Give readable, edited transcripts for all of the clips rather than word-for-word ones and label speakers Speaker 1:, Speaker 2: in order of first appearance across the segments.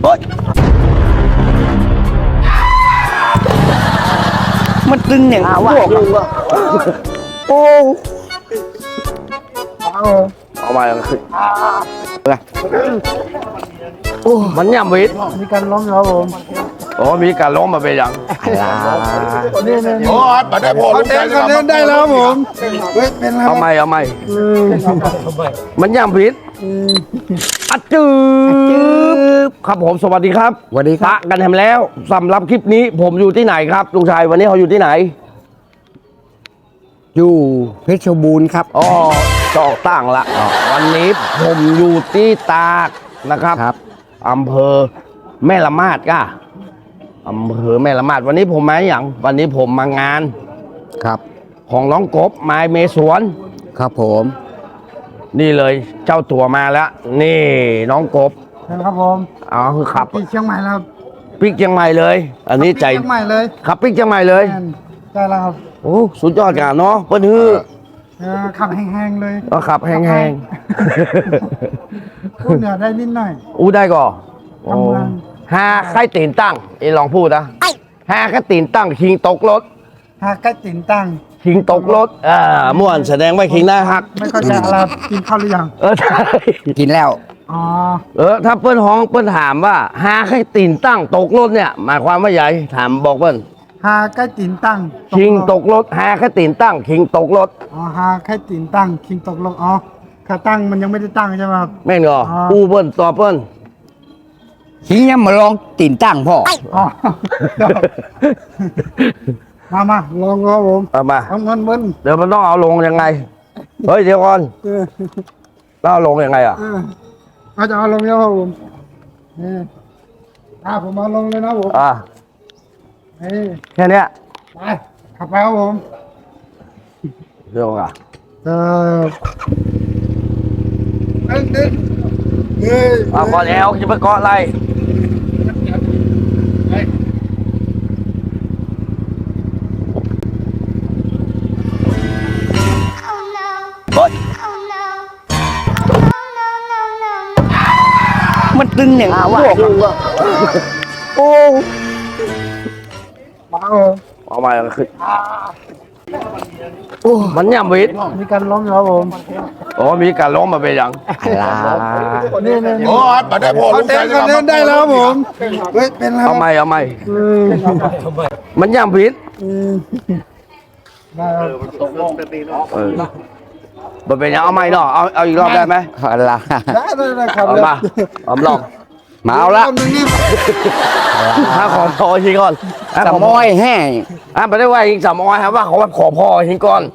Speaker 1: โอ๊ยมันตึงอย่างพวกโอ้เอามาแล้วขึ้นโอ้มันย่ำวิทย์
Speaker 2: มีการล้มครับผม
Speaker 1: อ๋อมีการล้มมาเป็นอย่าง
Speaker 2: นี่
Speaker 3: โอ้ยมาได้พอลุงชัย
Speaker 2: เล่นได้แล้วครับผมเป็นแล้ว
Speaker 1: เอาใหม่มันย่ำวิทย์อัดจืบครับผมสวัสดีครับ
Speaker 2: สวัสดีค
Speaker 1: ปะ
Speaker 2: รับ
Speaker 1: กันทำแล้วสำหรับคลิปนี้ผมอยู่ที่ไหนครับลุงชัยวันนี้เขาอยู่ที่ไหน
Speaker 2: อยู่เพชรบูรณ์ครับ
Speaker 1: อ๋อจอกตั้งละวันนี้ผมอยู่ที่ตากนะครับ
Speaker 2: ครับ
Speaker 1: อำเภอแม่ละมาดก้าอำเภอแม่ละมาดวันนี้ผมมาอย่างวันนี้ผมมางาน
Speaker 2: ครับ
Speaker 1: ของน้องกบไม้เมสวน
Speaker 2: ครับผม
Speaker 1: นี่เลยเจ้าตัวมาแล้วนี่น้องกบ
Speaker 2: ครับผม
Speaker 1: อ๋อคือขับ
Speaker 2: ที่เชียงใหม่แล้ว
Speaker 1: ปิกเชียงใหม่เลย อันนี้ใจ
Speaker 2: เชียงใหม่เลย
Speaker 1: ขับปิกเชียงใหม่เลย
Speaker 2: ได้แล้วครับ
Speaker 1: โอ้สุดยอดกันเนาะเปิ้นฮือ
Speaker 2: ขับแห้งๆเลย
Speaker 1: ก็ขับแห้ง
Speaker 2: พูดเหนือได้นิดหน่อย
Speaker 1: ๆอู้ได้ก่อโอ้
Speaker 2: ทำเมือง
Speaker 1: หาใครตีนตั้งไอ้ลองพูดนะหาใครตีนตั้งคิงตกรถ
Speaker 2: หากใกล้ติ่นตั้ง
Speaker 1: คิงตกรถม่วนแสดงว่าคิงน่าฮัก
Speaker 2: ไม่ค่อยจะอะไรกินข้าวหรือยัง
Speaker 1: ใช่
Speaker 2: กินแล้วอ๋อ
Speaker 1: ถ้าเปิ้นฮ้องเปิ้นถามว่าหาใครตีนตั้งตกรถเนี่ยหมายความว่าใหญ่ถามบอกเปิ้น
Speaker 2: หาใกล้ติ่นตั้ง
Speaker 1: คิงตกรถหาใครตีนตั้งคิงตกรถ
Speaker 2: อ๋อหาใกล้ติ่นตั้งคิงตกลงอ๋อขาตั้งมันยังไม่ได้ตั้งใช่ไหมครับ
Speaker 1: แม่นก่อ
Speaker 2: อ๋อ
Speaker 1: ปูเปิ้นต่อเปิ้น
Speaker 4: ขี้ยังมาลองติ่นตั้งพ่อ
Speaker 2: อ๋อมาลองครับผม
Speaker 1: เอามา
Speaker 2: เอาเงินเบิ้ล
Speaker 1: เดี๋ยวมันต้องเอาลงยังไงเฮ้ยเดี๋ยวก่อน
Speaker 2: เออ
Speaker 1: ต้องเอาลงยังไงอ่ะ
Speaker 2: เอาจะเอาลงแล้วครับผมนี่ผมเอาลงเลยนะผม นี่
Speaker 1: แค่เนี้ย
Speaker 2: ไปขับไปครับผม
Speaker 1: เรื่องอ่ะ
Speaker 2: เออดึงเฮ้ย
Speaker 1: เอาก่อนแล้วจะไปเกาะอะไรเฮ้ย
Speaker 4: มันตึงอย่างพวกโอ้
Speaker 2: มาครับผม
Speaker 1: เอามาแล้วขึ้นมันย่ำวิทย์
Speaker 2: มีการล้มครับผม
Speaker 1: อ๋อมีการล้มมาเป็นอย่าง
Speaker 2: นี่
Speaker 3: โอ้ยมาได้พอลุงชัย
Speaker 2: เล่นได้แล้วครับผมเป็นแล้ว
Speaker 1: เอาใหม่มันย่ำวิทย์
Speaker 2: ได้ครับ
Speaker 1: มันเป็นอย่างเอาใหม่เนาะเอาอีกรอบได้ไหม
Speaker 4: อะไร
Speaker 2: ได้ครับ
Speaker 1: เอามาเอาลอง
Speaker 4: มาเอาละ
Speaker 1: ถ้าขอพอทีก่อน
Speaker 4: สมอยแห้ง
Speaker 1: ไม่ได้ว่าอีกสามอ้อยครับว่าขอพอทีก่อน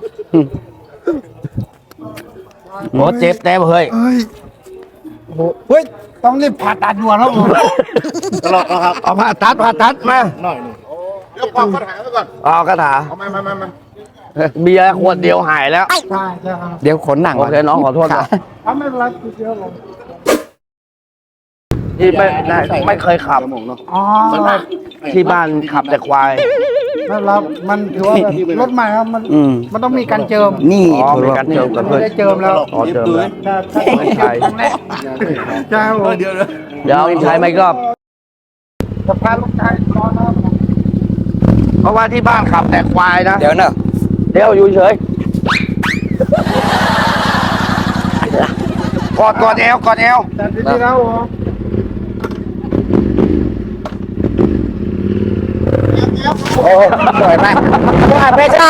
Speaker 1: โอ้เจ็บแน่เฮ้ย
Speaker 2: เฮ้ยต้องรีบผ่าตัดด่วนครับผม
Speaker 1: เอาผ่าตัดมา
Speaker 3: เดี๋ยวความปัญหาไว้ก่อน
Speaker 1: เอากระถา
Speaker 3: เอามา
Speaker 1: เบียร์ขวดเดียวหายแล้ว
Speaker 2: ใช่ครับ
Speaker 4: เดี๋ยวขนหนัง
Speaker 1: โอเคน้องขอโทษนะ
Speaker 2: ไม่เป็นไรเดี๋ยวลง
Speaker 1: ที่ไม่เคยขับ
Speaker 2: อ๋อ
Speaker 1: ที่บ้านขับแต่ควาย
Speaker 2: นั่นครับมันถือว่าแบบรถใหม่ครับมันต้องมีการเจิม
Speaker 4: นี่
Speaker 1: อ๋อมีการเจิมกัน
Speaker 2: ไม่
Speaker 1: เพื่อน
Speaker 2: ได้เจิมแล้ว
Speaker 1: อ๋อเจิมแล้ว
Speaker 2: ไม่ใช่ใช่ครับผม
Speaker 1: เดี๋ยวใช้ไหมก็
Speaker 2: จะพาลูกชายนอนนะครับ
Speaker 1: เพราะว่าที่บ้านขับแต่ควายนะ
Speaker 4: เดี๋ยวเนอะ
Speaker 1: เดี๋ยวอยู่เฉยกอดเอว
Speaker 2: แต่ทีนี้แล้วผม
Speaker 4: โอ้สวยมากว่าเพชรจ้า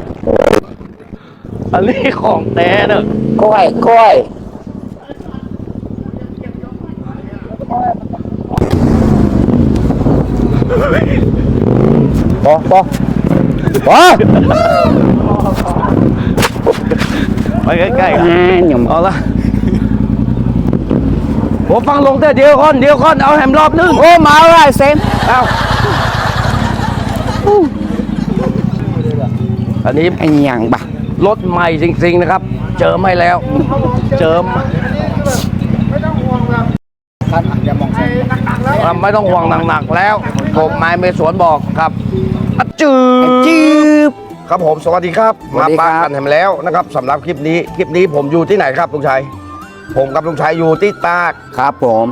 Speaker 1: อันนี้ของแท้เนอะ
Speaker 4: กล้วยปอ
Speaker 1: ไปใกล้ๆกัน
Speaker 4: หนุ่ม
Speaker 1: เอาละผมฟังลงแต่เดียวก่อนเอาแฮมรอบนึง
Speaker 4: โอ้มาอะไรเซม
Speaker 1: เอาอันนี้
Speaker 4: ไอ้ยังบะ
Speaker 1: รถใหม่จริงๆนะครับ เจอไม่แล้ว เจอ
Speaker 2: ไม่ต้องห่วงแบบไอ้หนักๆแล้ว
Speaker 1: ไม่ต้องห่วงหนักๆแล้วผมไม้เมสวนบอกครับอัดจืบครับผมสวัสดีครับมาปากันแฮมแล้วนะครับสำหรับคลิปนี้ผมอยู่ที่ไหนครับลุงชัยผมกับลุงชัยอยู่ที่ตาก
Speaker 4: ครับผม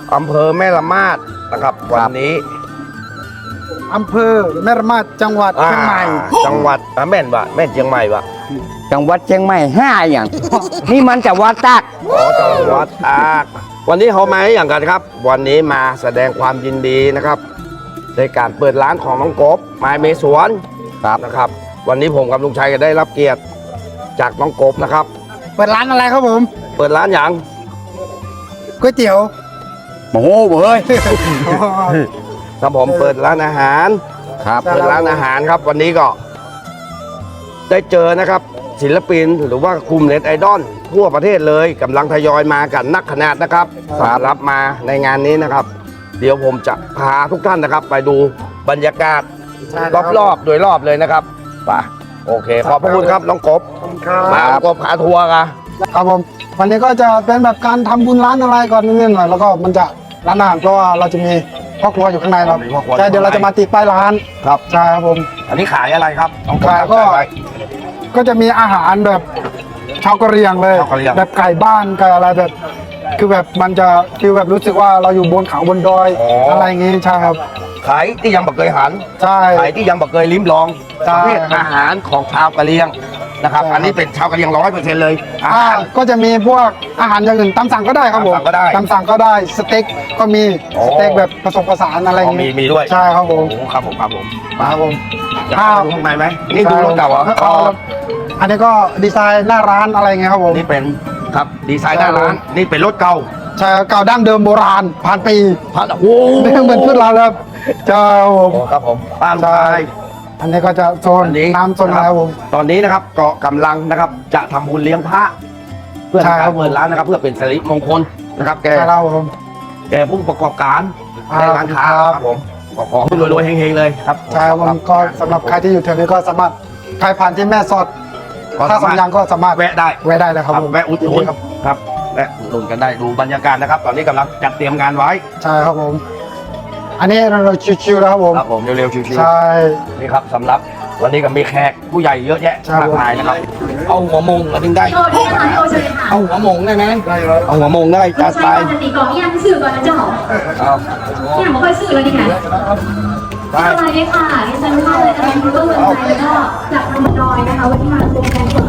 Speaker 1: อำเภอแม่ละมาดนะครับวันนี้
Speaker 2: อำเภอแม่ระมาดจังหวัดเชียงใหม่
Speaker 1: จังหวัดแม่นวะแม่นเชียงใหม่วะ
Speaker 4: จังหวัดเชียงใหม่5อย่าง นี่มันจะวัดตาก
Speaker 1: อ๋อจังหวัดตากวันนี้เขามาให้อย่างกันครับ วันนี้มาแสดงความยินดีนะครับในการเปิดร้านของน้องกบไม้เมสวนนะครับ วันนี้ผมกับลุงชัยก็ได้รับเกียรติจากน้องกบนะครับ
Speaker 2: เปิดร้านอะไรครับผม
Speaker 1: เปิดร้านอย่าง
Speaker 2: ก๋วยเตี๋ยว
Speaker 4: โอ้โหเฮ้ย
Speaker 1: ครับผมเปิดร้านอาหาร
Speaker 4: ครับ
Speaker 1: เปิดร้านอาหารครับ วันนี้ก็ ได้เจอนะครับ ศิลปินหรือว่ากลุ่มเน็ตไอดอลทั่วประเทศเลยกำลังทยอยมากันนักขนาดนะครับสำหรับมาในงานนี้นะครับ เดี๋ยวผมจะพาทุกท่านนะครับ ไปดูบรรยากาศรอบๆโดยรอบเลยนะครับไปโอเค ขอบพระคุณครับน้องกบมาน้องกบพาทัวร์กัน
Speaker 2: ครับผมวันนี้ก็จะเป็นแบบการทำบุญร้านอะไรก่อนนิดหน่อยแล้วก็มันจะร้านอาหารเพราะว่าเราจะมีพ่อครัวอยู่ข้างในครับ
Speaker 1: มีพ่อครัว
Speaker 2: ใช่เดี๋ยวเราจะมาติดป้ายร้าน
Speaker 1: ครับ
Speaker 2: ใช่ครับผม
Speaker 1: อันนี้ขายอะไรครับน้องบ
Speaker 2: ขายก็
Speaker 1: จำได้ไหม
Speaker 2: ก็จะมีอาหารแบบชาวกะเหรี่ยงเลย
Speaker 1: ชาวกะเหรี่ยง
Speaker 2: แบบไก่บ้านไก่อะไรแบบ คือแบบมันจะฟีลแบบรู้สึกว่าเราอยู่บนเขาบนดอยอะไรอย่างงี้ใช่ครับ
Speaker 1: ขายที่ยังบักเคยหัน
Speaker 2: ใช่
Speaker 1: ขายที่ยังบักเคยลิ้มลอง
Speaker 2: ใช่
Speaker 1: ประเภทอาหารของชาวกะเหรี่ยงนะครับ
Speaker 2: ใช่
Speaker 1: อันนี้เป็นชาวกะเหรี่ยง100%เลยอาหาร
Speaker 2: ก็จะมีพวกอาหารอย่างอื่นตามสั่งก็ได้ครับผม
Speaker 1: ตามสั่งก็ได้
Speaker 2: ตามสั่งก็ได้สเต็กก็มี
Speaker 1: โอ้
Speaker 2: สเต็กแบบผสมผสานอะไรอย่าง
Speaker 1: มีด้วย
Speaker 2: ใช่ครับผม
Speaker 1: โอ้ครับผมครับผม
Speaker 2: ครับผม
Speaker 1: อยากไปดูข้างในไหมนี่ดูรถเก่าเหรอ
Speaker 2: อ๋ออันนี้ก็ดีไซน์หน้าร้านอะไรเงี้ยครับผม
Speaker 1: นี่เป็นครับดีไซน์หน้าร้านนี่เป็นรถเก่า
Speaker 2: ใช่เก่าดั้งเดิมโบราณผ่านปี
Speaker 1: พัดโอ้โห
Speaker 2: ไม่เหมือนพืชเราแล้วใช่ครับผม
Speaker 1: ครับผมป้าลูกชาย
Speaker 2: อันนี้ก็จะโซน
Speaker 1: อันนี้
Speaker 2: น้ำโซนอะไรครับผม
Speaker 1: ตอนนี้นะครับก็กำลังนะครับจะทำบุญเลี้ยงพระเพื่อ
Speaker 2: ใช่
Speaker 1: ทำ
Speaker 2: ครั
Speaker 1: การ
Speaker 2: บ
Speaker 1: เปิดร้านนะครับ เพื่อเป็นสิริมงคลนะครับแก
Speaker 2: ใช่ครับผม
Speaker 1: แกผู้ประกอบการ
Speaker 2: ครับ
Speaker 1: ในร้านค้าครับผมขอให้รวยๆเฮงๆเลยครับ
Speaker 2: ใช่ครับผมก็สำหรับใครที่อยู่แถวนี้ก็สามารถใครผ่านที่แม่สอด
Speaker 1: ก็
Speaker 2: ถ้า
Speaker 1: สามารถ
Speaker 2: สำยังก็สามารถ
Speaker 1: แวะได้
Speaker 2: แวะได้เลยครับผม
Speaker 1: แวะอุดหนุนครับแวะอุดหนุนกันได้ดูบรรยากาศนะครับ ตอนนี้กำลังจัดเตรียมงานไว้
Speaker 2: ใช่ครับผม อันนี้เราชิวๆแล้วครับผม
Speaker 1: ครับผมเร็วๆชิว
Speaker 2: ใช่
Speaker 1: ๆนี่ครับสำหรับวันนี้ก็มีแขกผู้ใหญ่เยอะแยะ
Speaker 2: ใช่
Speaker 1: มากมายนะครับเอาหัวมงมาถึงได้
Speaker 5: โทษด้วยนะคะโทษเลยค่ะ
Speaker 1: เอาหัวมงได้ไหมเอาหัวมงได้
Speaker 5: ลู
Speaker 1: จั
Speaker 5: ก
Speaker 1: ดไป
Speaker 5: ชายปกติก่อนยังสื่อก่อนนะเจ้า
Speaker 1: เอา
Speaker 5: เนี่ยไม่ค่อยสื่อเลยนี่ค่ะสวัสดีค่ะดิฉันว่าเลยนะคะคุณต้นเมืองไทยแล้วก็จากทางดอยนะคะวันที่มาโครงการก่อน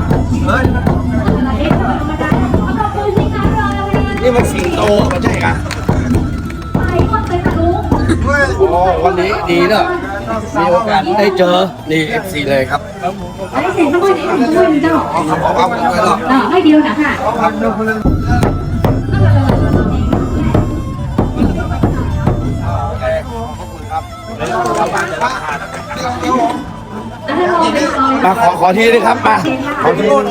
Speaker 5: ขอบคุณสิคะรอเลย
Speaker 1: นี่มันสิงโตไม่ใช่ค่ะ
Speaker 5: ไปก่อนไปค่ะลุง
Speaker 1: โอ้วันนี้ดีเนอะมีโอกาสได้เจอนี่ FC เลยครับ
Speaker 5: ได้เสียงสักคนนี้ด้วยเจ้า
Speaker 1: เอาไปเลยหรอ
Speaker 5: ไม่เดียวนะค่ะ
Speaker 1: มาขอทีนึงครับมาขอทีนึง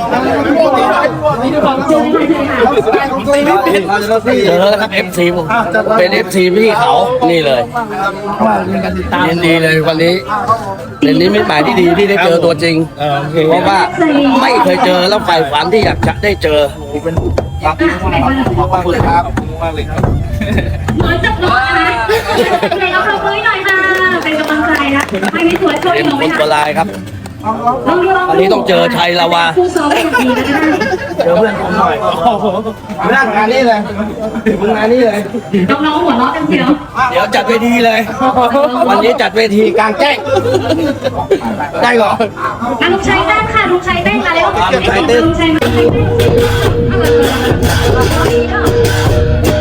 Speaker 1: เจอแล้วครับ FC ผมเป็น FC พี่เขานี่เลยยินดีเลยวันนี้เป็นนิมิตหมายที่ดีที่ได้เจอตัวจริงเพราะว่าไม่เคยเจอแล้วใฝ่ฝันที่อยากจะได้เจอครับขอบคุณครับ
Speaker 5: เหมือนจะร้อนนะไหนเอาปรบมือหน่อยค่ะ เป็นกำลังใจนะให้พี่สวยช่วย
Speaker 1: เป็น
Speaker 5: หนูไหม
Speaker 1: คน
Speaker 5: คะ
Speaker 1: โบราณครับ
Speaker 5: ลองดู
Speaker 1: อันนี้ต้องเจอชัยลาวา
Speaker 5: ผู้ซ้อมให้ดีนะ
Speaker 1: เจอเพื่อนผมหน่อยมึงนั่งงานนี้เลยมึงงานนี้เลย
Speaker 5: น้องๆหัวเราะกันเชียว
Speaker 1: เดี๋ยวจัดเวทีเลย วันนี้จัดเวทีกลางแจ้ง ได้ก่อน
Speaker 5: ลุงชัยเต้นค่ะลุงชัยเต้นมาแล้ว
Speaker 1: ลุงชัยเต้น
Speaker 5: ลุงชัยมาเต้น